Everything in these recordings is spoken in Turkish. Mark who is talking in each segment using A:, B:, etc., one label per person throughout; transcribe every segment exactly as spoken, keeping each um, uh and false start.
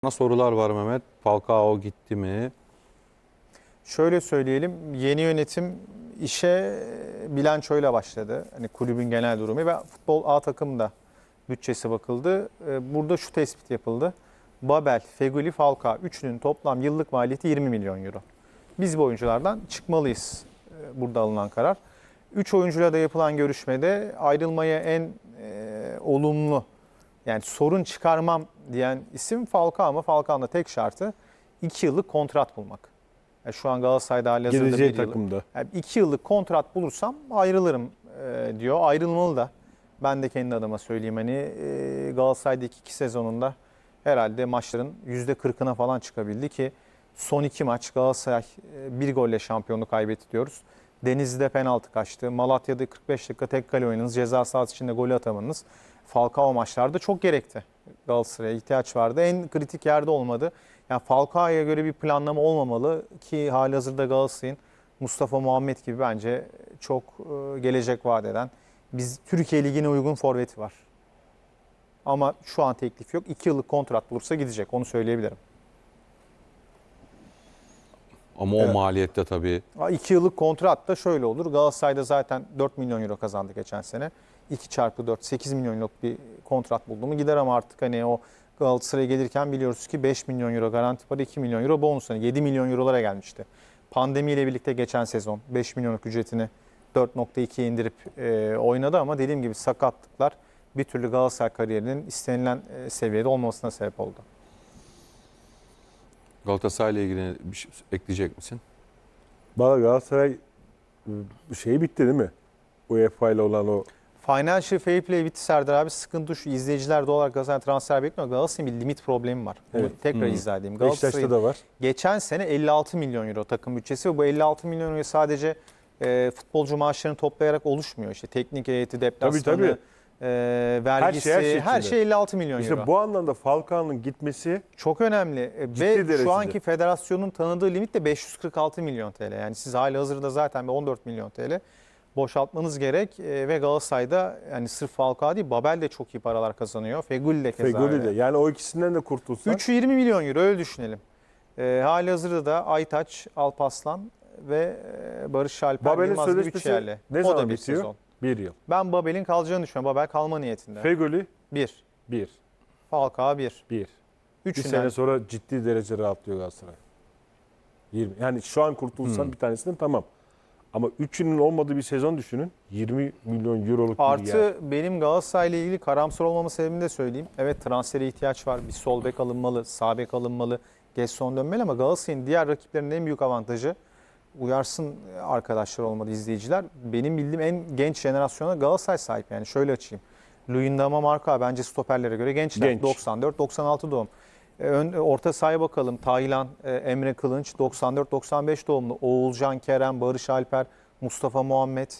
A: Sorular var Mehmet. Falcao gitti mi?
B: Şöyle söyleyelim, yeni yönetim işe bilançoyla başladı. Hani kulübün genel durumu ve futbol A takımda bütçesi bakıldı. Burada şu tespit yapıldı. Babel, Feguli, Falcao üçünün toplam yıllık maliyeti yirmi milyon euro. Biz bu oyunculardan çıkmalıyız burada alınan karar. üç oyuncuyla da yapılan görüşmede ayrılmaya en e, olumlu, yani sorun çıkarmam diyen isim Falcao, ama Falcao'nun da tek şartı iki yıllık kontrat bulmak. Yani şu an Galatasaray'da halihazırda
C: Geleceği
B: bir yıllık.
C: takımda.
B: Yani iki yıllık kontrat bulursam ayrılırım e, diyor. Ayrılmalı da. Ben de kendi adıma söyleyeyim, hani e, Galatasaray'daki iki sezonunda herhalde maçların yüzde kırkına falan çıkabildi ki son iki maç Galatasaray e, bir golle şampiyonluğu kaybetti diyoruz. Denizli'de penaltı kaçtı. Malatya'da kırk beş dakika tek kale oynadınız. Ceza sahası içinde golü atamadınız. Falcao maçlarda çok gerekti. Galatasaray'a ihtiyaç vardı. En kritik yerde olmadı. Yani Falcao'ya göre bir planlama olmamalı ki halihazırda Galatasaray'ın Mustafa Muhammed gibi bence çok e, gelecek vaat eden, biz Türkiye Ligi'ne uygun forveti var. Ama şu an teklif yok. iki yıllık kontrat bulursa gidecek. Onu söyleyebilirim.
A: Ama
B: Evet.
A: o maliyette tabii.
B: iki yıllık kontrat da şöyle olur. Galatasaray'da zaten dört milyon euro kazandı geçen sene. iki çarpı dört, sekiz milyon euroluk bir kontrat buldu mu gider, ama artık hani o Galatasaray'a gelirken biliyoruz ki beş milyon euro garanti para, iki milyon euro bonus. Yani yedi milyon eurolara gelmişti. Pandemiyle birlikte geçen sezon beş milyonluk ücretini dört nokta ikiye indirip e, oynadı, ama dediğim gibi sakatlıklar bir türlü Galatasaray kariyerinin istenilen e, seviyede olmamasına sebep oldu.
A: Galatasaray'la ilgili bir şey ekleyecek misin?
C: Valla Galatasaray şeyi bitti değil mi? UEFA ile olan o
B: Financial Fair Play bitti Serdar abi. Sıkıntı şu: izleyiciler doğal olarak Galatasaray transfer bekliyor. Galatasaray'ın bir limit problemi var. Bunu
C: Evet.
B: tekrar
A: Hmm.
B: izah edeyim.
C: Beşiktaş'ta
B: Galatasaray'ın
C: da var.
B: geçen sene elli altı milyon euro takım bütçesi ve bu elli altı milyon euro sadece e, futbolcu maaşlarını toplayarak oluşmuyor. İşte teknik heyeti, deplasmanı,
C: Tabii, tabii.
B: e, vergisi,
C: her şey- her şey
B: her
C: içinde.
B: şey elli altı milyon
C: İşte
B: euro.
C: bu anlamda Falcao'nun gitmesi
B: Çok önemli. E,
C: Ciddi
B: ve
C: derecede.
B: şu anki federasyonun tanıdığı limit de beş yüz kırk altı milyon T L. Yani siz halihazırda zaten bir on dört milyon T L boşaltmanız gerek e, ve Galatasaray'da yani sırf Falcao değil, Babel de çok iyi paralar kazanıyor. Feguli de keza
C: Fegoli
B: öyle.
C: de. Yani o ikisinden de kurtulsan.
B: üçü yirmi milyon euro, öyle düşünelim. E, halihazırda da Aytaç, Alpaslan ve e, Barış Alper
C: Babel'in
B: Yılmaz gibi üç
C: sözleşmesi
B: yerli.
C: ne
B: O
C: zaman
B: da bir
C: bitiyor?
B: sezon.
C: Bir yıl.
B: Ben Babel'in kalacağını düşünüyorum. Babel kalma niyetinde.
C: Fegoli
B: bir.
C: bir.
B: Falcao bir.
C: Bir. Bir
B: Üçünden.
C: sene sonra ciddi derece rahatlıyor Galatasaray. yirmi. Yani şu an kurtulsan
A: Hmm.
C: bir tanesinden tamam. Ama üçünün olmadığı bir sezon düşünün. yirmi milyon euroluk bir
B: Artı
C: yer.
B: benim Galatasaray'la ilgili karamsar olmamın sebebini de söyleyeyim. Evet, transfere ihtiyaç var. Bir sol bek alınmalı, sağ bek alınmalı, Gerson dönmeli, ama Galatasaray'ın diğer rakiplerinin en büyük avantajı, uyarsın arkadaşlar olmadı izleyiciler, benim bildiğim en genç jenerasyona Galatasaray sahip. Yani şöyle açayım. Luyendama, Marka bence stoperlere göre gençler.
C: Genç.
B: doksan dört doksan altı doğum. E, Ön, orta sahaya bakalım. Taylan, e, Emre Kılınç doksan dört doksan beş doğumlu. Oğulcan, Kerem, Barış Alper, Mustafa Muhammed.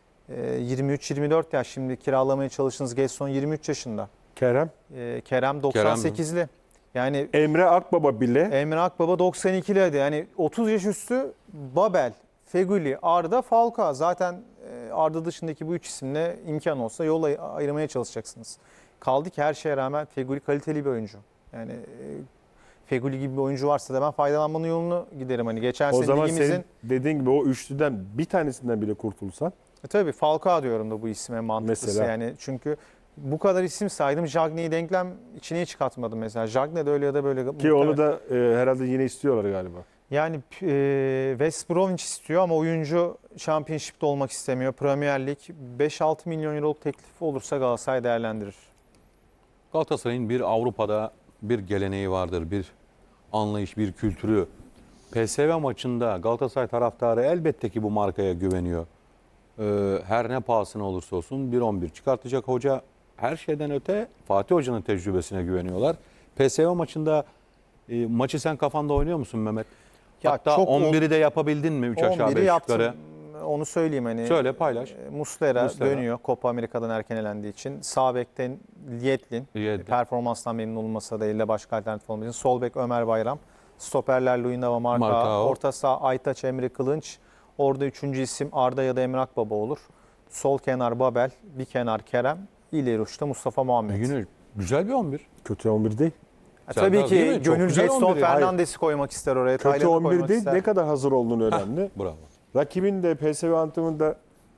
B: yirmi üç yirmi dört yaş, şimdi kiralamaya çalıştığınız Gerson yirmi üç yaşında.
C: Kerem.
B: Ee, Kerem doksan sekizli. Yani
C: Emre Akbaba bile
B: Emre Akbaba doksan ikili hadi. Yani otuz yaş üstü Babel, Feguli, Arda, Falcao. Zaten e, Arda dışındaki bu üç isimle imkan olsa yol ay- ayırmaya çalışacaksınız. Kaldı ki her şeye rağmen Feguli kaliteli bir oyuncu. Yani e, Feguli gibi bir oyuncu varsa da ben faydalanmanın yolunu giderim. Hani geçen
C: o
B: sene
C: zaman
B: ligimizin...
C: senin dediğin gibi o üçlüden bir tanesinden bile kurtulsan.
B: E tabii Falcao diyorum da bu isime mantıklısı.
C: Mesela.
B: Yani çünkü bu kadar isim saydım. Jagne'yi denklem içine hiç katmadım mesela. Jagne de öyle ya da böyle.
C: Ki onu da e, herhalde yine istiyorlar galiba.
B: Yani e, West Bromwich istiyor ama oyuncu Championship'te olmak istemiyor. Premier Lig beş altı milyon euroluk teklifi olursa Galatasaray değerlendirir.
A: Galatasaray'ın bir Avrupa'da bir geleneği vardır. Bir anlayış, bir kültürü. P S V maçında Galatasaray taraftarı elbette ki bu markaya güveniyor. Ee, her ne pahasına olursa olsun bir on bir çıkartacak hoca. Her şeyden öte Fatih Hoca'nın tecrübesine güveniyorlar. P S V maçında e, maçı sen kafanda oynuyor musun Mehmet?
B: Ya
A: Hatta
B: çok
A: on biri de yapabildin mi? üç aşağı
B: on biri
A: beş
B: yaptım.
A: yukarı.
B: Onu söyleyeyim hani.
A: Söyle, paylaş.
B: E, Muslera,
A: Muslera.
B: dönüyor Copa Amerika'dan erken elendiği için. Sağ bekten Lietlin.
A: Lietlin.
B: Performanstan memnun olmasa da elde başka alternatif olmadığı için. Sol bek Ömer Bayram. Stoperler Luyendama, Marka.
A: Marka.
B: Orta saha Aytaç, Emre Kılınç. Orada üçüncü isim Arda ya da Emre Akbaba olur. Sol kenar Babel, bir kenar Kerem. İleri uçta Mustafa Muhammed.
A: Yine güzel bir on bir.
C: Kötü on bir değil.
A: Serdar
B: Tabii
A: değil mi?
B: ki
A: Çok
B: gönül
A: güzel
B: Jetson
A: on biri.
B: Fernandes'i koymak ister oraya.
C: Kötü
B: Taylan'ı
C: on bir
B: koymak
C: değil,
B: ister.
C: ne kadar hazır olduğunu önemli.
A: Bravo.
C: Rakibin de P S V antrenmanında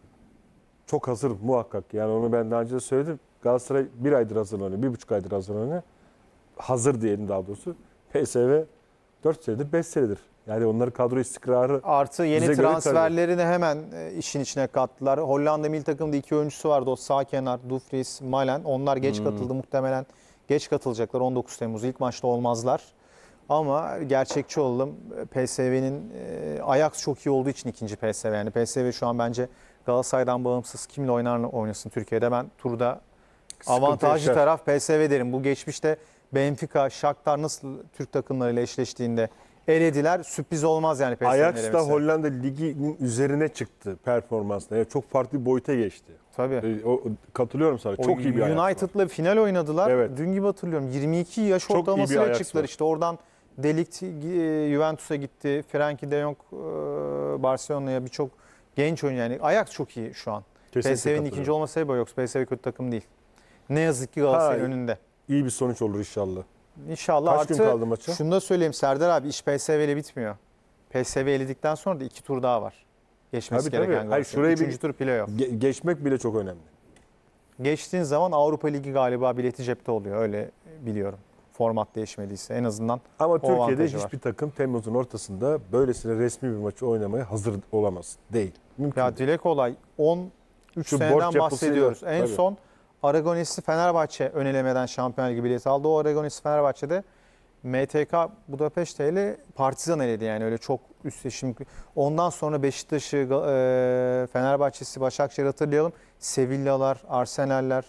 C: çok hazır muhakkak. Yani onu ben daha önce de söyledim. Galatasaray bir aydır hazırlanıyor, bir buçuk aydır hazırlanıyor. Hazır diyelim daha doğrusu. P S V dört senedir, beş senedir. Yani onların kadro istikrarı
B: Artı yeni
C: Bize göre
B: transferlerini hemen e, işin içine kattılar. Hollanda milli takımda iki oyuncusu vardı. O sağ kenar, Dumfries, Malen. Onlar geç
A: Hmm.
B: katıldı. Muhtemelen geç katılacaklar. on dokuz Temmuz ilk maçta olmazlar. Ama gerçekçi olalım. P S V'nin e, Ajax çok iyi olduğu için ikinci P S V. Yani P S V şu an bence Galatasaray'dan bağımsız kimle oynar oynasın Türkiye'de. Ben turda
C: sıkıntı
B: avantajlı
C: yaşar.
B: taraf P S V derim. Bu geçmişte Benfica, Shakhtar nasıl Türk takımlarıyla eşleştiğinde elediler. Sürpriz olmaz yani P S V'nin
C: Ajax da
B: elemesi.
C: Hollanda Ligi'nin üzerine çıktı performansla. Yani çok farklı bir boyuta geçti.
B: Tabii.
C: Ee, O, katılıyorum sana.
B: O
C: Çok iyi bir Ajax var.
B: United'la final oynadılar.
C: Evet.
B: Dün gibi hatırlıyorum. yirmi iki yaş
C: Çok iyi bir
B: ortalamasıyla
C: Ajax
B: çıktılar.
C: var.
B: İşte oradan De Ligt e, Juventus'a gitti. Frenkie de Jong e, Barcelona'ya, birçok genç oyuncu. Yani Ajax çok iyi şu an.
C: Kesinlikle
B: P S V'nin
C: katılıyorum.
B: ikinci olması sebebi yok. P S V kötü takım değil. Ne yazık ki Galatasaray'ın
C: Ha,
B: önünde.
C: İyi bir sonuç olur inşallah.
B: İnşallah.
C: Kaç gün
B: Artı
C: kaldı maça?
B: şunu da söyleyeyim Serdar abi, iş P S V ile bitmiyor. P S V eledikten sonra da iki tur daha var. Geçmesi
C: Tabii, tabii.
B: gereken
C: Hayır,
B: Galatasaray.
C: şurayı bir-
B: Üçüncü tur playoff.
C: Ge- geçmek bile çok önemli.
B: Geçtiğin zaman Avrupa Ligi galiba bileti cepte oluyor. Öyle biliyorum. Format değişmediyse en azından.
C: Ama
B: O
C: Türkiye'de
B: avantajı
C: hiçbir
B: var.
C: takım Temmuz'un ortasında böylesine resmi bir maçı oynamaya hazır olamaz. Değil. Mümkün
B: Ya
C: değil.
B: dile kolay. on üç
C: Şu borç
B: seneden
C: yapısıyla,
B: bahsediyoruz. En
C: tabii.
B: son Aragones'i Fenerbahçe önelemeden Şampiyonlar Ligi bileti aldı. O Aragones'i Fenerbahçe'de M T K Budapeşte ile Partizan eledi yani öyle çok üstleşim. Ondan sonra Beşiktaş'ı, e, Fenerbahçe'si, Başakşehir hatırlayalım. Sevilla'lar, Arsenal'ler,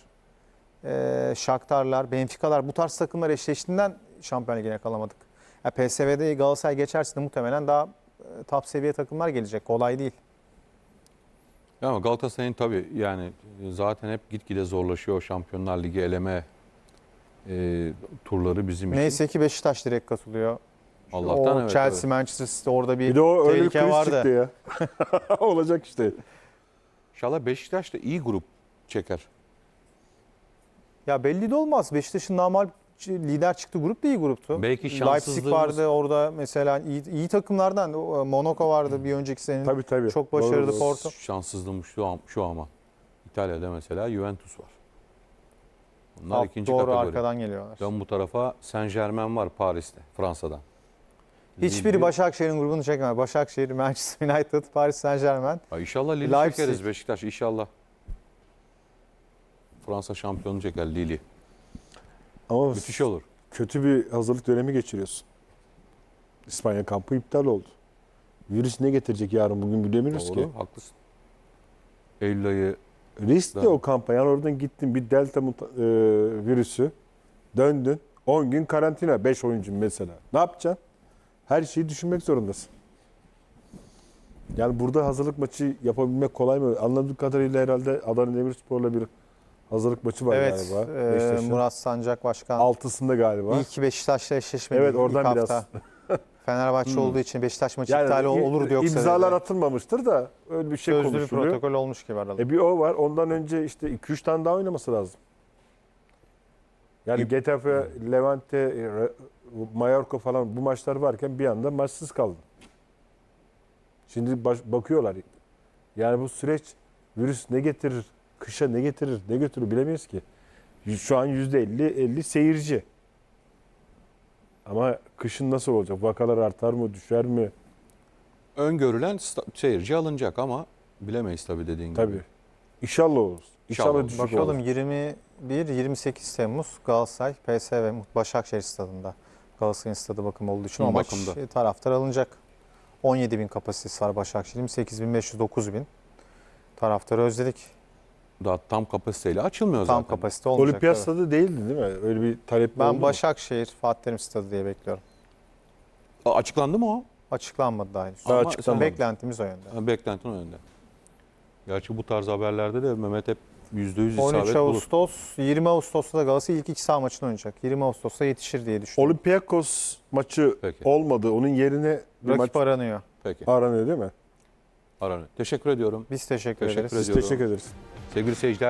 B: e, Shakhtar'lar, Benfica'lar bu tarz takımlar eşleştiğinden Şampiyonlar Ligi'ne kalamadık. Ya P S V'de Galatasaray geçerse de muhtemelen daha e, top seviye takımlar gelecek. Kolay değil.
A: Ya Ama Galatasaray'ın tabii yani zaten hep gitgide zorlaşıyor o Şampiyonlar Ligi eleme e, turları bizim için.
B: Neyse ki Beşiktaş direkt katılıyor.
A: Allah'tan
B: o
A: evet.
B: Chelsea,
A: evet.
B: Manchester City orada bir,
C: Bir de o öyle bir
B: tehlike
C: kriz
B: vardı.
C: çıktı ya. Olacak işte.
A: İnşallah Beşiktaş da iyi grup çeker.
B: Ya belli de olmaz. Beşiktaş'ın normal lider çıktığı grup da iyi gruptu.
A: Belki
B: Leipzig
A: şanssızlığımız-
B: vardı orada mesela iyi, iyi takımlardan. O, Monaco vardı bir önceki senenin.
C: Tabii tabii.
B: Çok
C: Doğru,
B: başarılı
C: doğru.
B: Porto.
A: Şanssızlığımız şu, an, şu ama. İtalya'da mesela Juventus var. Bunlar
B: Alt
A: ikinci
B: doğru
A: kategori.
B: arkadan geliyorlar.
A: Dön bu tarafa Saint Germain var Paris'te, Fransa'dan.
B: Hiçbiri
A: Lille-
B: Başakşehir'in grubunu çekemez. Başakşehir, Manchester United, Paris Saint-Germain.
A: Ha, İnşallah Lille
B: Leipzig.
A: çekeriz Beşiktaş inşallah. Fransa şampiyonu çeker Lille'i.
C: Ama
A: Müthiş olur.
C: kötü bir hazırlık dönemi geçiriyorsun. İspanya kampı iptal oldu. Virüs ne getirecek yarın bugün bilemiyoruz
A: Doğru,
C: ki.
A: haklısın. Eylül ayı
C: Riskli
A: Doğru.
C: o kampa. Yani oradan gittin bir delta muta- e, virüsü döndün. on gün karantina. beş oyuncu mesela. Ne yapacaksın? Her şeyi düşünmek zorundasın. Yani burada hazırlık maçı yapabilmek kolay mı? Anladığım kadarıyla herhalde Adana Demirspor'la bir hazırlık maçı var
B: Evet,
C: galiba.
B: e,
C: Beşiktaş'ın.
B: Murat Sancak Başkan.
C: Altısında galiba.
B: İyi ki Beşiktaş'la eşleşmedi
C: Evet,
B: ilk
C: oradan biraz.
B: hafta. Fenerbahçe olduğu için Beşiktaş maçı
C: Yani
B: iptal
C: i-
B: olurdu yoksa.
C: imzalar
B: dedi.
C: atılmamıştır da öyle bir şey
B: Sözlü bir
C: konuşuluyor.
B: protokol olmuş gibi aralık.
C: E bir o var. Ondan önce işte iki üç tane daha oynaması lazım. Yani Getafe, Levante, e, Re- Mallorca falan bu maçlar varken bir anda maçsız kaldı. Şimdi baş- bakıyorlar. Yani bu süreç virüs ne getirir, kışa ne getirir, ne götürür bilemeyiz ki. Şu an yüzde elli elli seyirci. Ama kışın nasıl olacak? Vakalar artar mı, düşer mi?
A: öngörülen sta- seyirci alınacak ama bilemeyiz tabii dediğin gibi.
C: Tabii. İnşallah olur. İnşallah,
A: İnşallah.
C: düşük
B: Bakalım
C: olur.
B: yirmi bir yirmi sekiz Temmuz Galatasaray P S V Başakşehir stadında. Galatasaray'ın stadı bakım olduğu için
A: Hı,
B: o maç
A: bakımda.
B: e, taraftar alınacak. on yedi bin kapasitesi var Başakşehir'in. yirmi sekiz bin beş yüz dokuz bin. Taraftarı özledik.
A: Daha tam kapasiteyle açılmıyor
B: Tam
A: zaten.
B: kapasite olmayacak.
C: Olimpiyat
B: evet.
C: stadı değildi değil mi? Öyle bir talep oldu
B: Ben
C: mu?
B: Başakşehir Fatih Terim stadı diye bekliyorum.
A: Aa, açıklandı mı o?
B: Açıklanmadı daha henüz.
C: Daha
A: Ama
C: açıklanmadı.
B: Beklentimiz o yönde.
A: Ha, Beklentinin önünde. Gerçi bu tarz haberlerde de Mehmet hep yüzde yüz
B: on üç
A: isabet bulur.
B: Ağustos, yirmi Ağustos'ta da Galatasaray ilk iki saha maçını oynayacak. yirmi Ağustos'ta yetişir diye düşünüyorum.
C: Olympiakos maçı
A: Peki.
C: olmadı. Onun yerine bir maç
B: Rakip aranıyor.
A: Peki.
C: aranıyor değil mi?
A: Aranıyor. Teşekkür ediyorum.
B: Biz teşekkür,
A: Teşekkür
B: ederiz.
C: Biz
A: ediyorum.
C: teşekkür ederiz.
A: Sevgili seyirciler.